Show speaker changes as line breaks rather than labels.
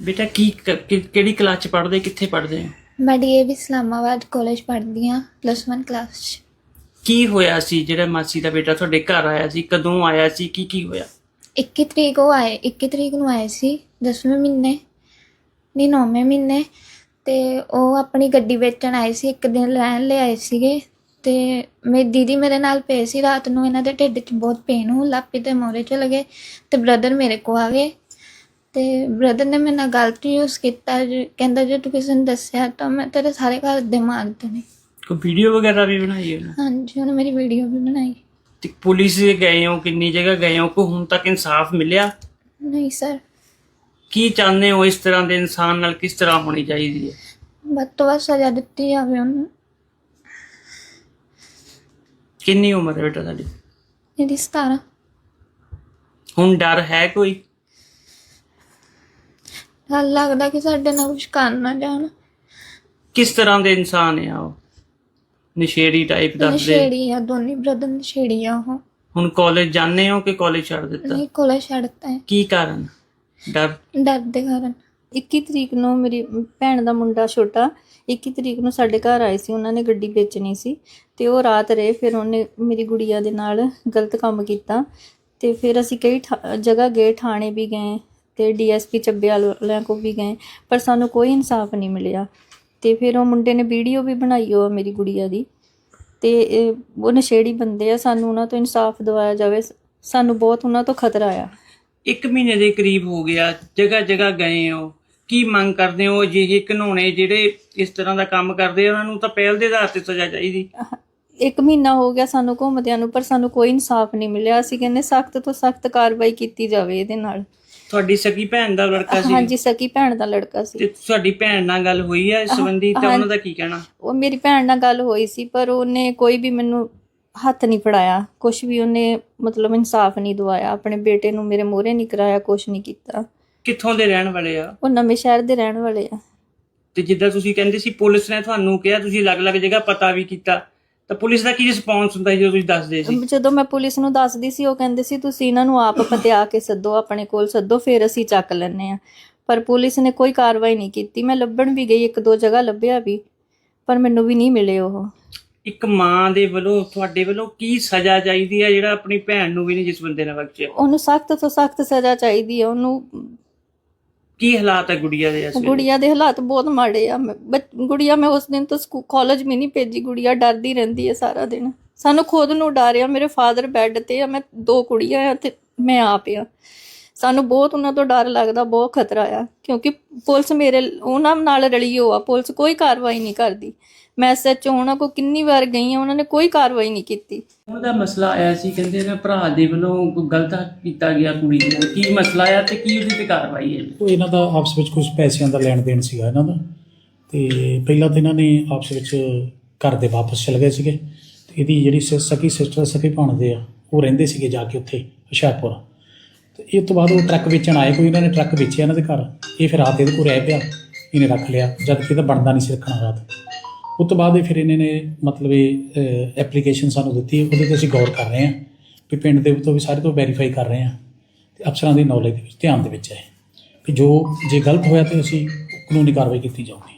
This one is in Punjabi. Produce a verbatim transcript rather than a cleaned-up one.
बेटा की किहड़ी क्लास च पढ़दे, कित्थे पढ़दे हो?
मैं डीएवी इस्लामाबाद कॉलेज पढ़दी हाँ, प्लस वन क्लास च।
की होया सी जेड़ा मासी दा बेटा तुहाडे घर आया सी? कदों आया सी? की की होया?
इक्की तरीक वो आए इक्की तरीक नूं आए सी दसवें महीने नहीं नौवें महीने ते ਉਹ ਆਪਣੀ ਗੱਡੀ ਵੇਚਣ ਆਏ ਸੀ। ਇੱਕ ਦਿਨ ਰਹਿਣ ਲਈ ਆਏ ਸੀਗੇ ਤੇ ਮੇਰੀ ਦੀਦੀ ਮੇਰੇ ਨਾਲ ਪਏ ਸੀ। ਰਾਤ ਨੂੰ ਇਹਨਾਂ ਦੇ ਢਿੱਡ 'ਚ ਬਹੁਤ ਪੇਨ ਹੋਣ ਲੱਗ ਪਈ ਤੇ ਮੋਰੇ ਚਲੇ ਗਏ ਤੇ ਬ੍ਰਦਰ ਮੇਰੇ ਕੋਲ ਆ ਗਏ ਤੇ ਬ੍ਰਦਰ ਨੇ ਮੇਰੇ ਨਾਲ ਗਲਤ ਯੂਜ਼ ਕੀਤਾ। ਕਹਿੰਦਾ ਜੇ ਤੂੰ ਕਿਸੇ ਨੂੰ ਦੱਸਿਆ ਤਾਂ ਮੈਂ ਤੇਰੇ ਸਾਰੇ ਘਰ ਦੇ ਮਾਰ ਦੇਣੇ।
कोई वीडियो वगैरह भी बनाई है?
ਹਾਂਜੀ ਉਹਨੇ ਮੇਰੀ ਵੀਡੀਓ ਵੀ ਬਣਾਈ।
ते पुलिस गए हो, किन्नी जगह गए हो, को हुण तक इंसाफ मिलिया?
नहीं सर।
की चाहते हो इस तरह के इंसान नाल किस तरह होनी चाहिए?
ਵੱਧ ਤੋਂ ਵੱਧ ਸਜ਼ਾ ਦਿੱਤੀ ਜਾਵੇ ਉਹਨੂੰ।
किन्नी उम्र है बेटा तुहाडी?
ਇਹਦੀ सतारह।
हुण डर है कोई?
ਡਰ ਲੱਗਦਾ ਕਿ ਸਾਡੇ ਨਾਲ ਕੁਝ ਕਰ ਨਾ ਜਾਣ।
किस तरह के इंसान है वो? नशेड़ी टाइप दस दे?
ਨਸ਼ੇੜੀ ਆ, ਦੋਨੇ ਬ੍ਰਦਰ ਨਸ਼ੇੜੀ ਆ ਉਹ।
हुण कॉलेज जाने हो कि कॉलेज छड़ दिता?
ਨਹੀਂ ਕੋਲੇ ਛੱਡਤਾ ਹੈ
की कारण? डर?
ਡਰ ਦੇ ਕਾਰਨ।
ਇੱਕੀ ਤਰੀਕ ਨੂੰ ਮੇਰੀ ਭੈਣ ਦਾ ਮੁੰਡਾ ਛੋਟਾ ਇੱਕੀ ਤਰੀਕ ਨੂੰ ਸਾਡੇ ਘਰ ਆਏ ਸੀ। ਉਹਨਾਂ ਨੇ ਗੱਡੀ ਵੇਚਣੀ ਸੀ ਤੇ ਉਹ ਰਾਤ ਰਹੇ। ਫਿਰ ਉਹਨੇ ਮੇਰੀ ਗੁੜੀਆ ਦੇ ਨਾਲ ਗਲਤ ਕੰਮ ਕੀਤਾ ਤੇ ਫਿਰ ਅਸੀਂ ਕਈ ਜਗ੍ਹਾ ਗਏ, ਥਾਣੇ ਵੀ ਗਏ ਤੇ ਡੀਐਸਪੀ ਚੱਬੇ ਵਾਲਿਆਂ ਕੋਲ ਵੀ ਗਏ, ਪਰ ਸਾਨੂੰ ਕੋਈ ਇਨਸਾਫ ਨਹੀਂ ਮਿਲਿਆ। ਤੇ ਫਿਰ ਉਹ ਮੁੰਡੇ ਨੇ ਵੀਡੀਓ ਵੀ ਬਣਾਈ ਉਹ ਮੇਰੀ ਗੁੜੀਆ ਦੀ ਤੇ ਉਹ ਨਸ਼ੇੜੀ ਬੰਦੇ ਆ। ਸਾਨੂੰ ਉਹਨਾਂ ਤੋਂ ਇਨਸਾਫ ਦਿਵਾਇਆ ਜਾਵੇ। ਸਾਨੂੰ ਬਹੁਤ ਉਹਨਾਂ ਤੋਂ ਖਤਰਾ ਆ।
एक महीने के करीब हो गया, जगह जगह गए हो, की मंग करते हो? अजिहे घिनौने जिहड़े इस तरह का काम करते उन्हां नूं तां पहल दे आधार ते सज़ा चाहीदी।
ਇੱਕ ਮਹੀਨਾ ਹੋ ਗਿਆ ਸਾਨੂੰ ਘੁੰਮਦਿਆਂ ਨੂੰ, ਪਰ ਸਾਨੂੰ ਕੋਈ ਇਨਸਾਫ ਨਹੀਂ ਮਿਲਿਆ। ਅਸੀਂ ਕਹਿੰਦੇ ਸਖਤ ਤੋਂ ਸਖਤ ਕਾਰਵਾਈ ਕੀਤੀ ਜਾਵੇ ਇਹਦੇ ਨਾਲ।
ਤੁਹਾਡੀ ਸਕੀ ਭੈਣ ਦਾ ਲੜਕਾ ਸੀ?
ਹਾਂਜੀ, ਸਕੀ ਭੈਣ ਦਾ ਲੜਕਾ ਸੀ।
ਤੇ ਤੁਹਾਡੀ ਭੈਣ ਨਾਲ ਗੱਲ ਹੋਈ ਹੈ ਇਸ ਸੰਬੰਧੀ ਤੇ ਉਹਨਾਂ ਦਾ ਕੀ ਕਹਿਣਾ?
ਉਹ ਮੇਰੀ ਭੈਣ ਨਾਲ ਗੱਲ ਹੋਈ ਸੀ, ਪਰ ਉਹਨੇ ਕੋਈ ਵੀ ਮੈਨੂੰ ਹੱਥ ਨਹੀਂ ਫੜਾਇਆ, ਕੁਛ ਵੀ ਉਹਨੇ ਮਤਲਬ ਇਨਸਾਫ ਨਹੀਂ ਦਵਾਇਆ। ਆਪਣੇ ਬੇਟੇ ਨੂੰ ਮੇਰੇ ਮੂਹਰੇ ਨਹੀਂ ਕਰਾਇਆ, ਕੁਛ ਨਹੀਂ ਕੀਤਾ।
ਕਿੱਥੋਂ ਦੇ ਰਹਿਣ ਵਾਲੇ ਆ?
ਉਹ ਨਵੇਂ ਸ਼ਹਿਰ ਦੇ ਰਹਿਣ ਵਾਲੇ ਆ।
ਤੇ ਜਿੱਦਾਂ ਤੁਸੀਂ ਕਹਿੰਦੇ ਸੀ ਪੁਲਿਸ ਨੇ ਤੁਹਾਨੂੰ ਕਿਹਾ ਤੁਸੀਂ ਅਲੱਗ-ਅਲੱਗ ਜਗ੍ਹਾ ਪਤਾ ਵੀ ਕੀਤਾ, ਤਾਂ ਪੁਲਿਸ ਦਾ ਕੀ ਰਿਸਪੌਂਸ ਹੁੰਦਾ ਸੀ ਜਦੋਂ ਤੁਸੀਂ ਦੱਸਦੇ ਸੀ?
ਜਦੋਂ ਮੈਂ ਪੁਲਿਸ ਨੂੰ ਦੱਸਦੀ ਸੀ ਉਹ ਕਹਿੰਦੇ ਸੀ ਤੁਸੀਂ ਇਹਨਾਂ ਨੂੰ ਆਪ ਪਤਿਆ ਕੇ ਸੱਦੋ, ਆਪਣੇ ਕੋਲ ਸੱਦੋ, ਫਿਰ ਅਸੀਂ ਚੱਕ ਲੈਂਦੇ ਹਾਂ। ਪਰ ਪੁਲਿਸ ਨੇ ਕੋਈ ਕਾਰਵਾਈ ਨਹੀਂ ਕੀਤੀ। ਮੈਂ ਲੱਭਣ ਵੀ ਗਈ, ਇੱਕ ਦੋ ਜਗ੍ਹਾ ਲੱਭਿਆ ਵੀ, ਪਰ ਮੈਨੂੰ ਵੀ ਨਹੀਂ ਮਿਲੇ ਉਹ।
ਇੱਕ ਮਾਂ ਦੇ ਵੱਲੋਂ ਤੁਹਾਡੇ ਵੱਲੋਂ ਕੀ ਸਜ਼ਾ ਚਾਹੀਦੀ ਹੈ ਜਿਹੜਾ ਆਪਣੀ ਭੈਣ ਨੂੰ ਵੀ ਨਹੀਂ ਜਿਸ ਬੰਦੇ ਨੇ ਬਖਸ਼ਿਆ?
ਉਹਨੂੰ ਸਖਤ ਤੋਂ ਸਖਤ ਸਜ਼ਾ ਚਾਹੀਦੀ ਹੈ। ਉਹਨੂੰ
ਕੀ ਹਾਲਾਤ ਹੈ ਗੁੜੀਆ ਦੇ? ਇਸ
ਗੁੜੀਆ ਦੇ ਹਾਲਾਤ ਬਹੁਤ ਮਾੜੇ ਆ। ਗੁੜੀਆ ਮੈਂ ਉਸ ਦਿਨ ਤੋਂ ਸਕੂਲ ਕਾਲਜ ਵੀ ਨਹੀਂ ਭੇਜੀ। ਗੁੜੀਆ ਡਰਦੀ ਰਹਿੰਦੀ ਹੈ ਸਾਰਾ ਦਿਨ। ਸਾਨੂੰ ਖੁਦ ਨੂੰ ਡਰ ਆ। ਮੇਰੇ ਫਾਦਰ ਬੈੱਡ ਤੇ ਆ, ਮੈਂ ਦੋ ਕੁੜੀਆਂ ਆ ਤੇ ਮੈਂ ਆਪ ਆ। ਸਾਨੂੰ ਬਹੁਤ ਉਹਨਾਂ ਤੋਂ ਡਰ ਲੱਗਦਾ, ਬਹੁਤ ਖਤਰਾ ਆ, ਕਿਉਂਕਿ ਪੁਲਿਸ ਮੇਰੇ ਉਹਨਾਂ ਨਾਲ ਰਲੀ ਹੋ ਆ। ਪੁਲਿਸ ਕੋਈ ਕਾਰਵਾਈ ਨਹੀਂ ਕਰਦੀ। ਮੈਂ ਐਸਐਚਓ ਉਹਨਾਂ ਕੋਲ ਕਿੰਨੀ ਵਾਰ ਗਈ ਆ, ਉਹਨਾਂ ਨੇ ਕੋਈ ਕਾਰਵਾਈ ਨਹੀਂ ਕੀਤੀ।
ਉਹਦਾ ਮਸਲਾ ਆਇਆ ਸੀ, ਕਹਿੰਦੇ ਨੇ ਭਰਾ ਦੇ ਵੱਲੋਂ ਕੋਈ ਗਲਤ ਕੀਤਾ ਗਿਆ ਕੁੜੀ ਨੂੰ। ਕੀ ਮਸਲਾ ਆ ਤੇ ਕੀ ਉਹਦੀ ਤੇ ਕਾਰਵਾਈ ਹੈ?
ਉਹ ਇਹਨਾਂ ਦਾ ਆਪਸ ਵਿੱਚ ਕੁਝ ਪੈਸਿਆਂ ਦਾ ਲੈਣ ਦੇਣ ਸੀਗਾ ਇਹਨਾਂ ਦਾ। ਤੇ ਪਹਿਲਾਂ ਤਾਂ ਇਹਨਾਂ ਨੇ ਆਪਸ ਵਿੱਚ ਘਰ ਦੇ ਵਾਪਸ ਚਲੇ ਗਏ ਸੀਗੇ ਤੇ ਇਹਦੀ ਜਿਹੜੀ ਸਕੀ ਸਿਸਟਰ ਸਕੀ ਭਾਣਦੇ ਆ ਉਹ ਰਹਿੰਦੇ ਸੀਗੇ ਜਾ ਕੇ ਉੱਥੇ ਹੁਸ਼ਿਆਰਪੁਰ। ਤੇ ਇਹ ਤੋਂ ਬਾਅਦ ਉਹ ਟਰੱਕ ਵੇਚਣ ਆਏ, ਕੋਈ ਇਹਨਾਂ ਨੇ ਟਰੱਕ ਵੇਚਿਆ ਇਹਨਾਂ ਦੇ ਘਰ। ਇਹ ਫਿਰ ਰਾਤ ਇਹਦੇ ਕੋਲ ਰਹਿ ਪਿਆ, ਇਹਨੇ ਰੱਖ ਲਿਆ, ਜਦ ਕਿ ਇਹਦਾ ਬਣਦਾ ਨਹੀਂ ਸੀ ਰੱਖਣਾ ਰਾਤ। ਉਸ ਤੋਂ ਬਾਅਦ ਫਿਰ ਇਹਨਾਂ ਨੇ ਮਤਲਬ ਇਹ ਐਪਲੀਕੇਸ਼ਨ ਸਾਨੂੰ ਦਿੱਤੀ, ਉਹਦੇ 'ਤੇ ਅਸੀਂ ਗੌਰ ਕਰ ਰਹੇ ਹਾਂ ਵੀ ਪਿੰਡ ਦੇ ਤੋਂ ਵੀ ਸਾਰੇ ਤੋਂ ਵੈਰੀਫਾਈ ਕਰ ਰਹੇ ਹਾਂ ਅਤੇ ਅਫਸਰਾਂ ਦੀ ਨੌਲੇਜ ਦੇ ਵਿੱਚ ਧਿਆਨ ਦੇ ਵਿੱਚ ਹੈ ਵੀ ਜੋ ਜੇ ਗਲਤ ਹੋਇਆ ਤਾਂ ਅਸੀਂ ਕਾਨੂੰਨੀ ਕਾਰਵਾਈ ਕੀਤੀ ਜਾਊਗੀ।